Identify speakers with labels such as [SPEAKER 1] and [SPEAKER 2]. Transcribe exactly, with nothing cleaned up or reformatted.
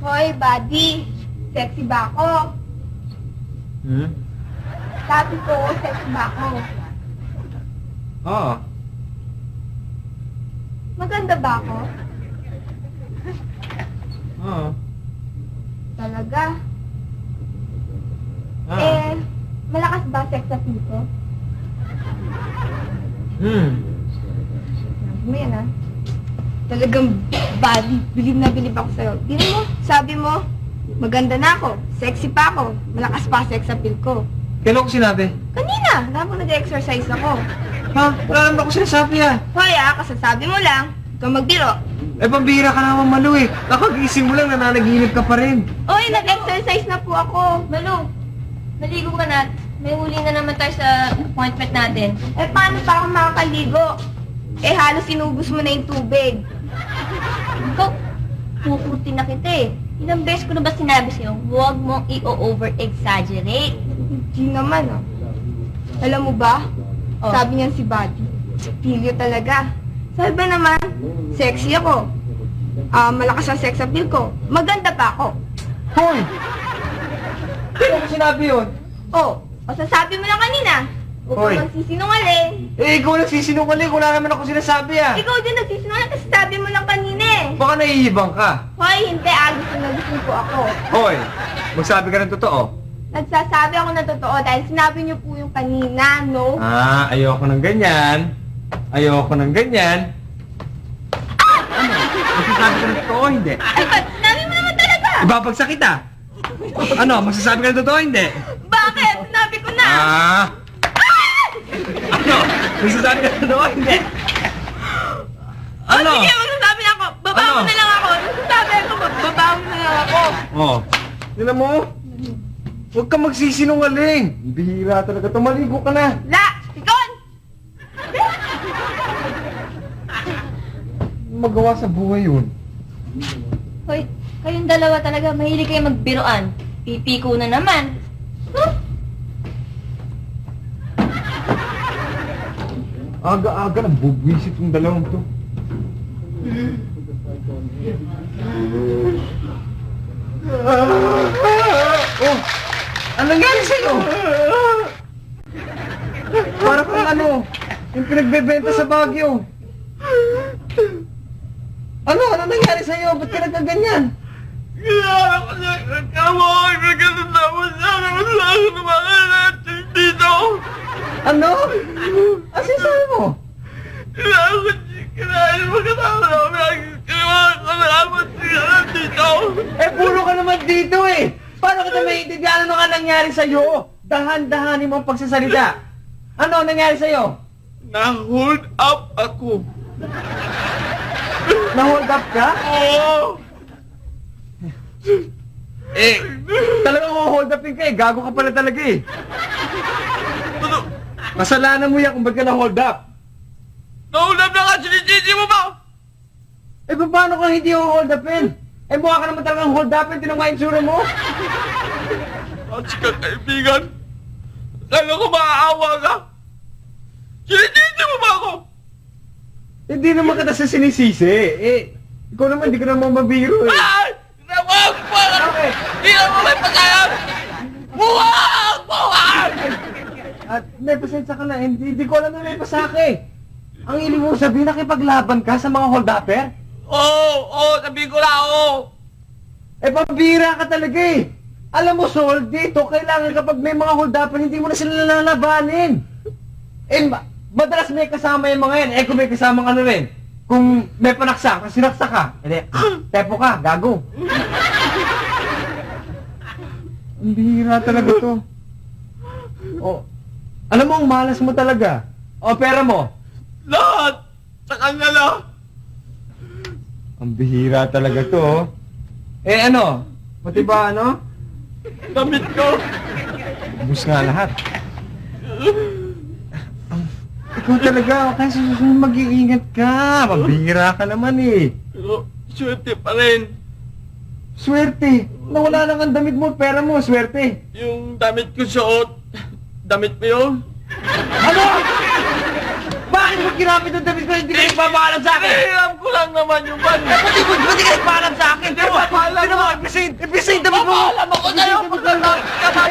[SPEAKER 1] Hoy, buddy. Sexy ba ako?
[SPEAKER 2] Hmm?
[SPEAKER 1] Sabi ko, sexy ba ako?
[SPEAKER 2] Oo.
[SPEAKER 1] Maganda ba ako?
[SPEAKER 2] Oo.
[SPEAKER 1] Talaga?
[SPEAKER 2] Ah.
[SPEAKER 1] Eh, malakas ba sex appeal ko?
[SPEAKER 2] Hmm.
[SPEAKER 1] Sabi mo yan, ah. Talagang buddy. Bilib na bilib ako sa'yo. Dino mo, sabi mo, maganda na ako, sexy pa ako, malakas pa sex appeal ko.
[SPEAKER 2] Kailan ko sinabi?
[SPEAKER 1] Kanina, habang nag-exercise ako.
[SPEAKER 2] Ha? Wala naman ako sinasabi ah.
[SPEAKER 1] Hoy, ah, kasasabi mo lang, ikaw magbiro.
[SPEAKER 2] Eh, pambihira ka naman, Malu eh. Kakagising mo lang, nananaginip ka pa rin.
[SPEAKER 1] Oy, nag-exercise na po ako.
[SPEAKER 3] Malu, maligo ka na. May huli na naman tayo sa appointment natin.
[SPEAKER 1] Eh, paano pa ako makakaligo? Eh, halos inubos mo na yung tubig.
[SPEAKER 3] Ikaw, puputi na kita eh. Ilang beses ko na ba sinabi sa'yo, huwag mong i-over-exaggerate.
[SPEAKER 1] Hindi naman, ah. Alam mo ba?
[SPEAKER 3] Oh.
[SPEAKER 1] Sabi niyan si Buddy, pilyo talaga. Sabi ba naman, sexy ako. Ah, malakas ang sex appeal ko. Maganda pa ako.
[SPEAKER 2] Hoy! Kailan ko sinabi yun?
[SPEAKER 1] Oh, o sasabi mo lang kanina. Huwag
[SPEAKER 2] Hoy.
[SPEAKER 1] kang magsisinungaling.
[SPEAKER 2] Eh, ikaw nagsisinungaling. Wala naman ako sinasabi ah.
[SPEAKER 1] Ikaw din nagsisinungaling kasi sabi mo lang kanina eh.
[SPEAKER 2] Baka nahihibang ka.
[SPEAKER 1] Hoy, hindi. Ah, gusto na gusto ko ako.
[SPEAKER 2] Hoy! Magsabi ka ng totoo.
[SPEAKER 1] Nagsasabi ako ng totoo dahil sinabi niyo po yung kanina, no?
[SPEAKER 2] Ah, ayoko ng ganyan. Ayoko ng ganyan. Ano? Magsasabi ka ng totoo, hindi?
[SPEAKER 1] Ay, ba't sinabi mo naman talaga?
[SPEAKER 2] Ibabagsak kita. Ano? Magsasabi ka ng totoo, hindi?
[SPEAKER 1] Bakit? Sinabi ko na!
[SPEAKER 2] Ah! Ano? Magsasabi ka ng totoo, hindi? Ano?
[SPEAKER 1] Oh, sige, magsasabi na ako. Baba mo
[SPEAKER 2] Ano?
[SPEAKER 1] na lang ako. Magsasabi ako, baba mo na lang ako.
[SPEAKER 2] Oh. Tignan mo. Huwag ka magsisinungaling. Bihira talaga. Tumaligo ka na.
[SPEAKER 1] La! Tikon!
[SPEAKER 2] Magawa sa buhay yun.
[SPEAKER 3] Hoy, kayong dalawa talaga, mahilig kayo magbiroan. Pipiko na naman. Huh?
[SPEAKER 2] Aga-aga nang bubwisit yung dalawang to. Oh! Ano nangyari sa'yo? Para kang ano, yung pinagbebenta sa Baguio. Ano? Ano nangyari sa'yo? Ba't ka nagkaganyan?
[SPEAKER 4] Kaya ako na nagkamoy, nagkatatawa siya, nagkatatawa ng mga natin dito.
[SPEAKER 2] Ano? Ano sabi mo?
[SPEAKER 4] Kaya ako kinain magkatawa na kami, kaya ako nalaman siya dito.
[SPEAKER 2] Eh, puro ka naman dito eh! Paano ka na maintindihan ano ka nangyari sa'yo? Dahan-dahanin mo ang pagsasalita. Ano ang nangyari sa'yo?
[SPEAKER 4] Na-hold up ako.
[SPEAKER 2] Na-hold up ka?
[SPEAKER 4] Oo.
[SPEAKER 2] Eh, talagang hold upin ka eh. Gago ka pala talaga eh.
[SPEAKER 4] Ano?
[SPEAKER 2] Kasalanan mo yan kung ba't ka na-hold up.
[SPEAKER 4] Na-hold up na nga, sinisisi mo ba?
[SPEAKER 2] Eh, paano ka hindi hold upin? Eh, mukha ka naman talagang hold upin. Tinan mo ang itsura mo.
[SPEAKER 4] Kasi ka kaibigan, kala ko maaawa ka. Sinisisi mo ba ako?
[SPEAKER 2] Hindi naman kita sa sinisisi. Eh, ikaw naman, di ka naman mabiro eh.
[SPEAKER 4] Ay! Nawag mo!
[SPEAKER 2] Bakit?
[SPEAKER 4] Hindi na mo may pagkayang! Buwag! Buwag!
[SPEAKER 2] At may pasensya ka na, hindi, hindi ko alam na may pasake. Ang ili mo sabihin, nakipaglaban ka sa mga hold-upper?
[SPEAKER 4] Oo! Oo! Sabihin ko na oo!
[SPEAKER 2] Eh, pambira ka talaga eh. Alam mo, Sol, dito, kailangan kapag may mga hold-upper, hindi mo na sila lalabanin. Eh, ma- madalas may kasama yung mga yan. Eh, kung may kasama ano rin, kung may panaksak, kung sinaksak ka, hindi, tepo ka, gago. Ang bihira talaga to. Oh, alam mo, ang malas mo talaga. O, pera mo.
[SPEAKER 4] Lahat! Sa kanya na!
[SPEAKER 2] Ang bihira talaga to, oh. Eh, ano? Pati ba, ano?
[SPEAKER 4] Damit ko!
[SPEAKER 2] Bus nga lahat. Ikaw talaga, kaya sa susunod mag-iingat ka. Mabihira ka naman eh.
[SPEAKER 4] Pero swerte pa rin.
[SPEAKER 2] Swerte. Nawala lang ang damit mo, pera mo, swerte.
[SPEAKER 4] Yung damit ko suot, damit mo yun?
[SPEAKER 2] Ano? Bakit mo ginamit ang damit ko? Hindi ka nagpapaalam sa akin.
[SPEAKER 4] Nahiram ko lang naman yung ban.
[SPEAKER 2] Pati mo, pati ka nagpaalam sa akin. Pero,
[SPEAKER 4] Nagpapaalam
[SPEAKER 2] sino mo, kasi Kasi yung damit mo!
[SPEAKER 4] Alam ako sa'yo!
[SPEAKER 2] Kasi yung damit mo!